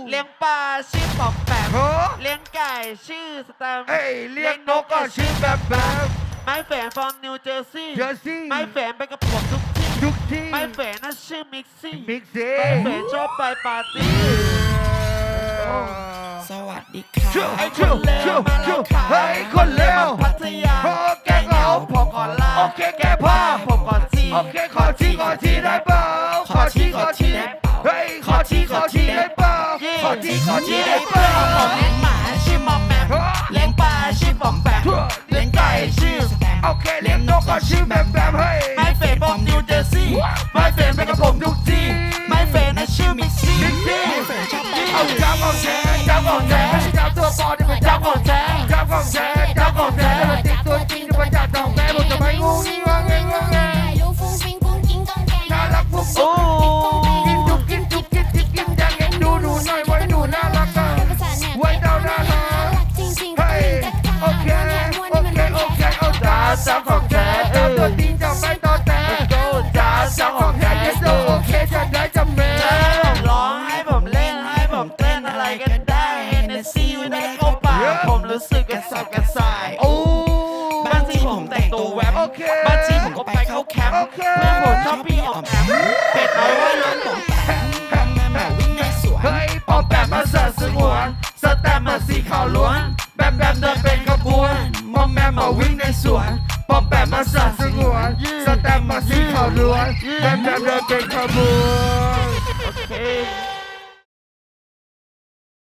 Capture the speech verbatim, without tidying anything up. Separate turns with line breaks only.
เลี้ยงปลาชื่อปอมแปมเลี้ยงไก่ชื่อสแตมป์
เลี้ยงนกก็ชื่อแบบแบบ
ไม้แฝนฟอร์มนิวเจอร์ซีย์
เจอร์ซีย์
ไม้แฝนไปกับผมทุกที่
ทุกที่
ไม้แฝนน่ะชื่อมิกซี่
มิกซี่
ไม้แฝนชอบไปปาร์ตี้
สวัสดีค่ะ
ไอ้คนเลวมาแล้วค่ะ
เฮ้ยคนเลว
พัทยา
โอเคเหงา
ผมขอลา
โอเคแกพ่อ
ผมขอจี
โอเคขอทีขอทีได้เปล่าขอทีขอทีเฮ้ยขอทีขอทีได้เปล่าขอทีขอทีได้เปล่า
ผมเลี้ยงหมาชื่อมอมแมมเลี้ยงปลาชื่อปอมแปมเลี้ยงไก่ชื่อสแตมป์
โอเคเลี้ยงนกก็ชื่อแบบแบบเฮ้ย
ไม้เฟนผมนิวเจอร์ซีย์ไม้เฟนไปกับผมทุกที่ไม้เฟนน่ะชื่อมิกซี่
มิกซี่
ไม้เฟนชอบไป
เอาจับของแท้จับของแท้ไม่ใช่จับตัวปลอมที่มันจับของแท้จับของแท้จับของแท้แล้วติดตัวจริงที่มันจับของแท้ผมจะไม่งูงี้งงเงงงเงน่ารักปุ๊บ
โอ้
กินจุกกินจุกกินกินกินจังเห็นดูดูหน่อยไว้ดูน่ารักอ่ะไว้เดาน่ารักเฮ้ยโอเคโอเคโอเคเอาจ้าจับของแท้จับตัวจริงจับไม่ต่อแต่จ้าจับของแท้เยสโอเคจะได้จำเม
ให้ผมร้องให้ผมเล่นให้ผมเต้นอะไรก็ได้เฮนเนสซี่ไม่ได้เข้าปากผมรู้สึกกระสับกระส่าย
โอ้
บางทีผมแต่งตัวแวบ
โอเค
บางทีผมก็ไปเข้าแคมป์
โอเค
เพื่อนผมชอบพี่ออกแอมเป็ดน้อยว่ายน้ำผม
แม่แม่วิ่งในสวน
เฮ้ยปอมแปมมาเสิร์ฟสงวนสแตมมาสีขาวล้วนแบมแบมเดินเป็นขบวนมอมแมมมาวิ่งในสวนปอมแปมมาเสิร์ฟสงวนสแตมมาสีขาวล้วนแบมแบมเดินเป็นขบวน
โอเค